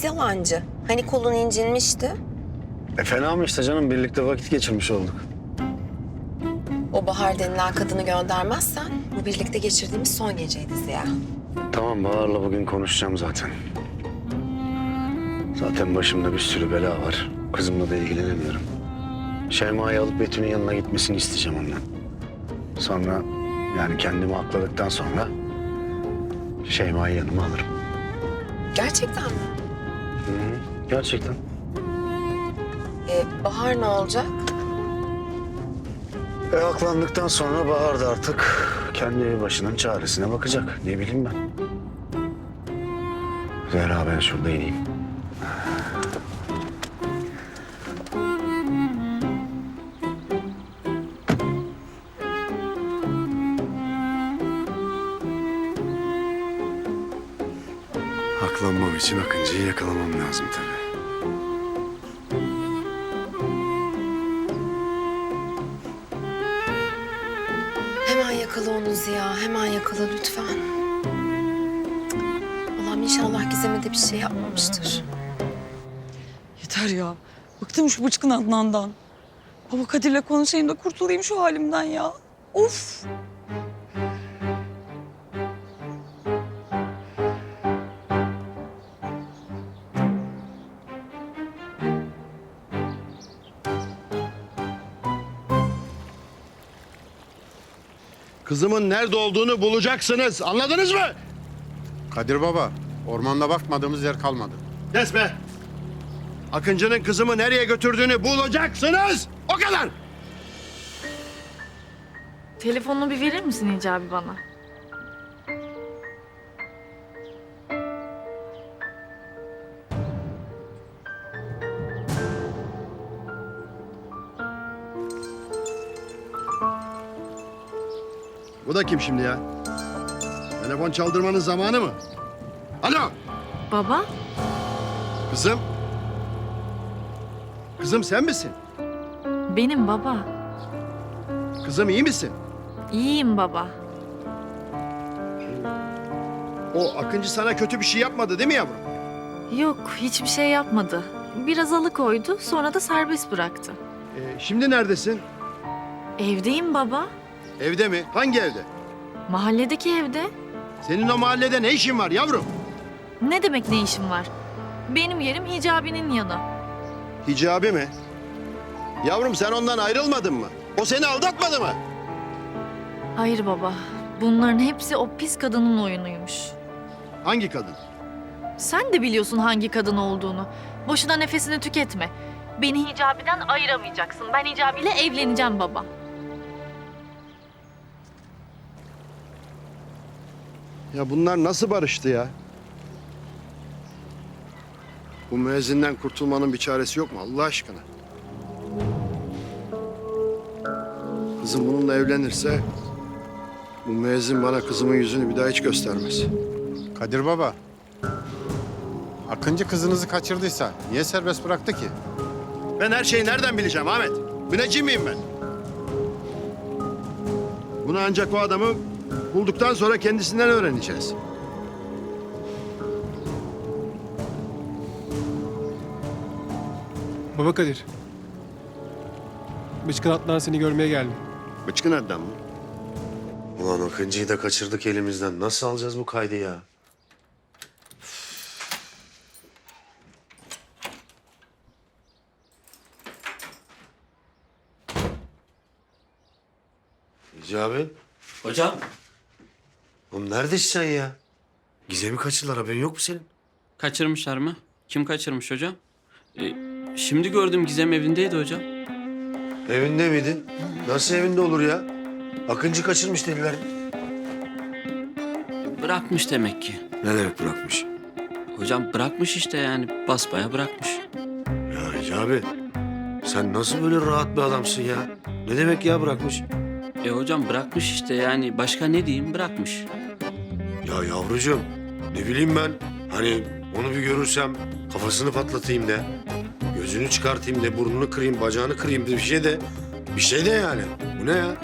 yalancı. Hani kolun incinmişti. Fena mı işte canım? Birlikte vakit geçirmiş olduk. O Bahar denilen kadını göndermezsen bu birlikte geçirdiğimiz son geceydi Ziya. Tamam, Bahar'la bugün konuşacağım zaten. Zaten başımda bir sürü bela var. Kızımla da ilgilenemiyorum. Şeyma'yı alıp Betül'ün yanına gitmesini isteyeceğim ondan. Sonra yani kendimi akladıktan sonra Şeyma'yı yanıma alırım. Gerçekten mi? Gerçekten. Bahar ne olacak? Aklandıktan sonra Bahar da artık kendi başının çaresine bakacak. Ne bileyim ben. Zehra, ben şurada ineyim. Aklanmam için Akıncı'yı yakalamam lazım tabii. Hemen yakala onu Ziya, hemen yakala lütfen. Allah'ım inşallah Gizem'e de bir şey yapmamıştır. Yeter ya. Bıktım şu bıçkın Adnan'dan. Baba Kadir'le konuşayım da kurtulayım şu halimden ya. Of! Kızımın nerede olduğunu bulacaksınız. Anladınız mı? Kadir Baba, ormanda bakmadığımız yer kalmadı. Kes be. Akıncı'nın kızımı nereye götürdüğünü bulacaksınız. O kadar. Telefonunu bir verir misin Hicabi bana? Bu da kim şimdi ya? Telefon çaldırmanın zamanı mı? Alo. Baba? Kızım. Kızım sen misin? Benim baba. Kızım iyi misin? İyiyim baba. O Akıncı sana kötü bir şey yapmadı değil mi yavrum? Yok, hiçbir şey yapmadı. Biraz alıkoydu, sonra da serbest bıraktı. Şimdi neredesin? Evdeyim baba. Evde mi? Hangi evde? Mahalledeki evde. Senin o mahallede ne işin var yavrum? Ne demek ne işim var? Benim yerim Hicabi'nin yanı. Hicabi mi? Yavrum sen ondan ayrılmadın mı? O seni aldatmadı mı? Hayır baba. Bunların hepsi o pis kadının oyunuymuş. Hangi kadın? Sen de biliyorsun hangi kadın olduğunu. Boşuna nefesini tüketme. Beni Hicabi'den ayıramayacaksın. Ben Hicabi'yle evleneceğim baba. Ya bunlar nasıl barıştı ya? Bu müezzinden kurtulmanın bir çaresi yok mu Allah aşkına? Kızım bununla evlenirse bu müezzin bana kızımın yüzünü bir daha hiç göstermez. Kadir Baba, Akıncı kızınızı kaçırdıysa niye serbest bıraktı ki? Ben her şeyi nereden bileceğim Ahmet? Müneccim miyim ben? Bunu ancak o adamı bulduktan sonra kendisinden öğreneceğiz. Baba Kadir. Bıçkın Adnan seni görmeye geldi. Bıçkın adam mı? Ulan Akıncı'yı da kaçırdık elimizden. Nasıl alacağız bu kaydı ya? Hicabi. Hocam, Oğlum neredesin sen ya? Gizem'i kaçırdılar, haberin yok mu senin? kaçırmışlar mı? Kim kaçırmış hocam? Şimdi gördüm Gizem evindeydi hocam. Evinde miydi? Nasıl evinde olur ya? Akıncı kaçırmış dediler. Bırakmış demek ki. Ne demek bırakmış? Hocam bırakmış işte yani basbaya bırakmış. Ya Hicabi, sen nasıl böyle rahat bir adamsın ya? Ne demek ya bırakmış? Hocam bırakmış işte yani başka ne diyeyim bırakmış. Ya yavrucuğum, ne bileyim ben. Hani onu bir görürsem kafasını patlatayım de. Gözünü çıkartayım de, burnunu kırayım, bacağını kırayım de bir şey de. Bir şey de yani. Bu ne ya?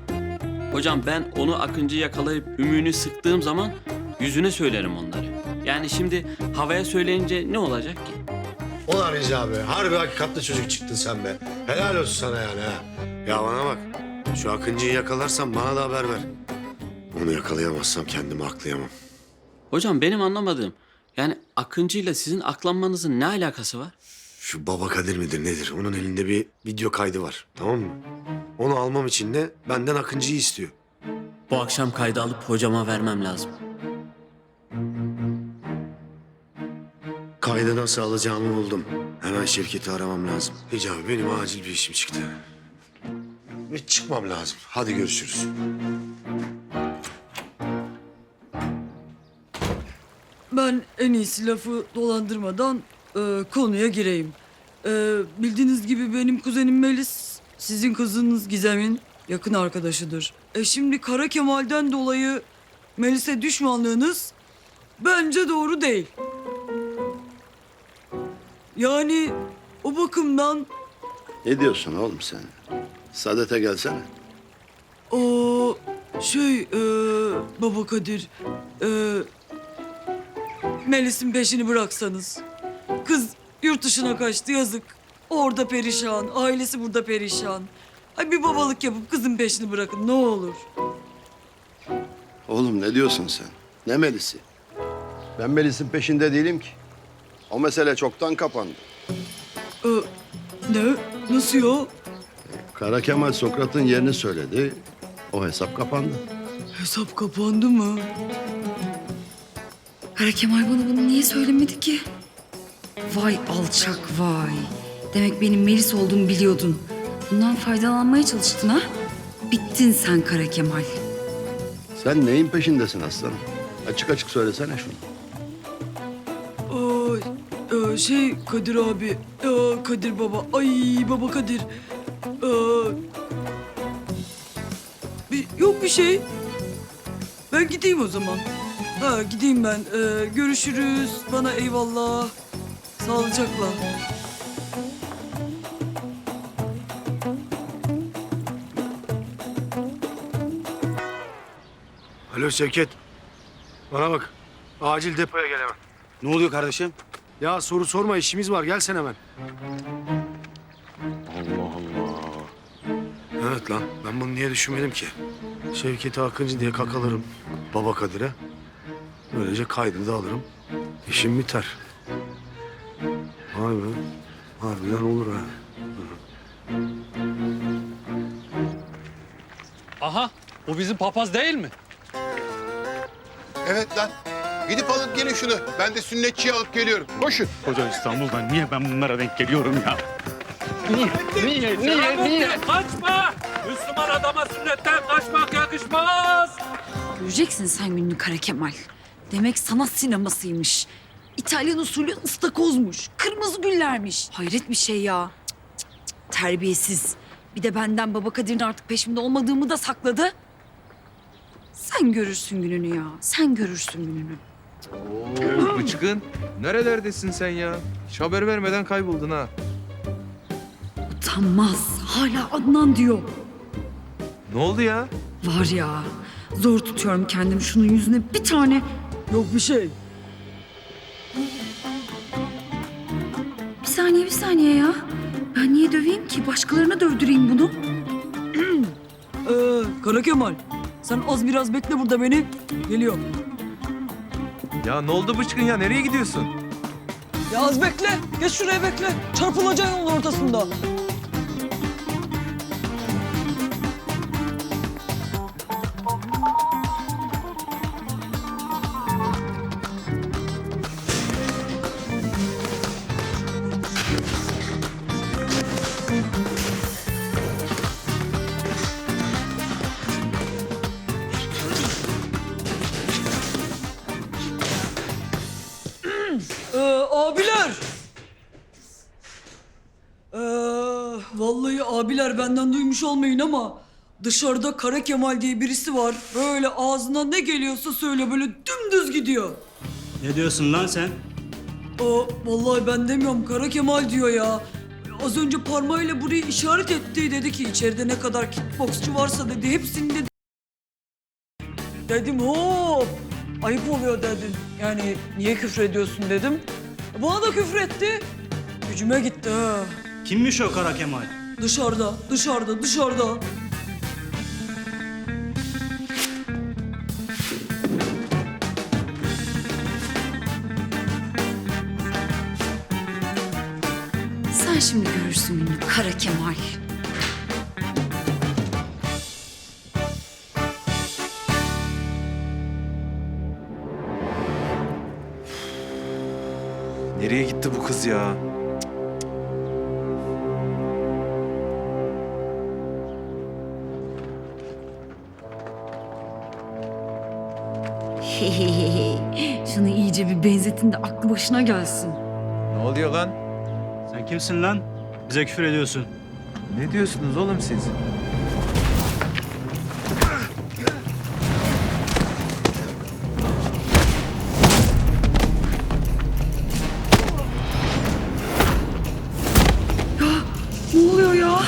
Hocam ben onu Akıncı yakalayıp ümüğünü sıktığım zaman yüzüne söylerim onları. Yani Yani şimdi havaya söyleyince ne olacak ki? Ulan Rica be, harbi hakikatli çocuk çıktın sen be. Helal olsun sana yani ha. Ya bana bak, şu Akıncı'yı yakalarsan bana da haber ver. Onu yakalayamazsam kendimi aklayamam. Hocam benim anlamadığım, yani Akıncı'yla sizin aklanmanızın ne alakası var? Şu Baba Kadir midir nedir? Onun elinde bir video kaydı var, tamam mı? Onu almam için de benden Akıncı'yı istiyor. Bu akşam kaydı alıp hocama vermem lazım. Kaydı nasıl alacağımı buldum. Hemen şirketi aramam lazım. Hicabi benim acil bir işim çıktı. Ve çıkmam lazım. Hadi görüşürüz. Ben en iyisi lafı dolandırmadan konuya gireyim. Bildiğiniz gibi benim kuzenim Melis, sizin kızınız Gizem'in yakın arkadaşıdır. Şimdi Kara Kemal'den dolayı Melis'e düşmanlığınız bence doğru değil. Yani o bakımdan Ne diyorsun oğlum sen? Saadet'e gelsene. o Baba Kadir, Melis'in peşini bıraksanız. Kız yurt dışına kaçtı, yazık. Orada perişan, ailesi burada perişan. Ay bir babalık yapıp kızın peşini bırakın ne olur. Oğlum ne diyorsun sen? Ne Melis'i? Ben Melis'in peşinde değilim ki. O mesele çoktan kapandı. Ne? Nasıl ya? Kara Kemal Sokrat'ın yerini söyledi. O hesap kapandı. Hesap kapandı mı? Kara Kemal bana bunu niye söylemedi ki? Vay alçak vay. Demek benim Melis olduğumu biliyordun. Bundan faydalanmaya çalıştın ha? Bittin sen Kara Kemal. Sen neyin peşindesin aslanım? Açık açık söylesene şunu. Kadir abi, Kadir baba, ay baba Kadir. Yok bir şey. Ben gideyim o zaman. Gideyim ben. Görüşürüz. Bana eyvallah. Sağlıcakla. Alo Şevket. Bana bak. Acil depoya gel hemen. Ne oluyor kardeşim? Ya soru sorma, işimiz var. Gel sen hemen. Allah Allah. Evet lan. Ben bunu niye düşünmedim ki? Şevket'i Akıncı diye kakalarım. Baba Kadir'e. Böylece kaydını da alırım. İşim biter. Vay be. Harbiden olur ha. Aha, bu bizim papaz değil mi? Evet lan. Gidip alıp gelin şunu. Ben de sünnetçiyi alıp geliyorum. Koşun. Koca İstanbul'dan niye ben bunlara denk geliyorum ya? Niye? Kaçma! Müslüman adama sünnetten kaçmak yakışmaz. Göreceksin sen gününü Kara Kemal. Demek sanat sinemasıymış. İtalyan usulü ıstakozmuş. Kırmızı güllermiş. Hayret bir şey ya. Cık, cık, cık. Terbiyesiz. Bir de benden Baba Kadir'in artık peşimde olmadığımı da sakladı. Sen görürsün gününü ya. Sen görürsün gününü. Bıçkın, nerelerdesin sen ya? Hiç haber vermeden kayboldun ha. Utanmaz. Hala Adnan diyor. Ne oldu ya? Var ya. Zor tutuyorum kendimi şunun yüzüne bir tane. Yok bir şey. Bir saniye ya. Ben niye döveyim ki? Başkalarına dövdüreyim bunu. Kara Kemal. Sen az biraz bekle burada beni. Geliyorum. Ya ne oldu Bıçkın ya? Nereye gidiyorsun? Ya az bekle. Geç şuraya bekle. Çarpılacaksın yolun ortasında. Abiler. Vallahi abiler benden duymuş olmayın ama dışarıda Kara Kemal diye birisi var. Böyle ağzına ne geliyorsa söyle böyle dümdüz gidiyor. Ne diyorsun lan sen? Vallahi ben demiyorum Kara Kemal diyor ya. Az önce parmağıyla burayı işaret etti. Dedi ki içeride ne kadar kickboksçu varsa dedi hepsini dedi. Dedim hop. ayıp oluyor dedin. Yani niye küfür ediyorsun dedim. Bana da küfür etti. Gücüme gitti ha. Kimmiş o Kara Kemal? Dışarıda. Sen şimdi görürsün gününü Kara Kemal. Nereye gitti bu kız ya? Şunu iyice bir benzetin de aklı başına gelsin. Ne oluyor lan? Sen kimsin lan? Bize küfür ediyorsun. Ne diyorsunuz oğlum siz? Ne oluyor ya?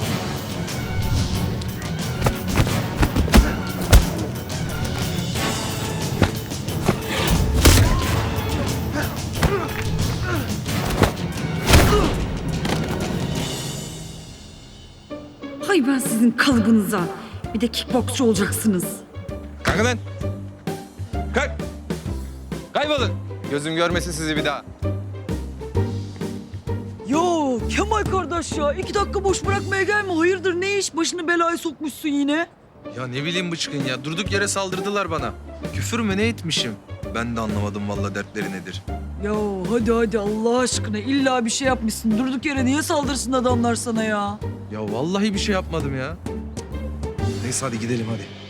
Hay ben sizin kalıbınıza. Bir de kickboksçu olacaksınız. Kalkın lan! Kalk! Kaybolun! Gözüm görmesin sizi bir daha. Yo Kemal kardeş ya 2 dakika boş bırakmaya gelme. Hayırdır ne iş? Başını belaya sokmuşsun yine. Ya ne bileyim bıçkın ya. Durduk yere saldırdılar bana. Küfür mü ne etmişim? Ben de anlamadım vallahi dertleri nedir. Ya hadi Allah aşkına illa bir şey yapmışsın. Durduk yere niye saldırsın adamlar sana ya? Ya vallahi bir şey yapmadım ya. Neyse hadi gidelim hadi.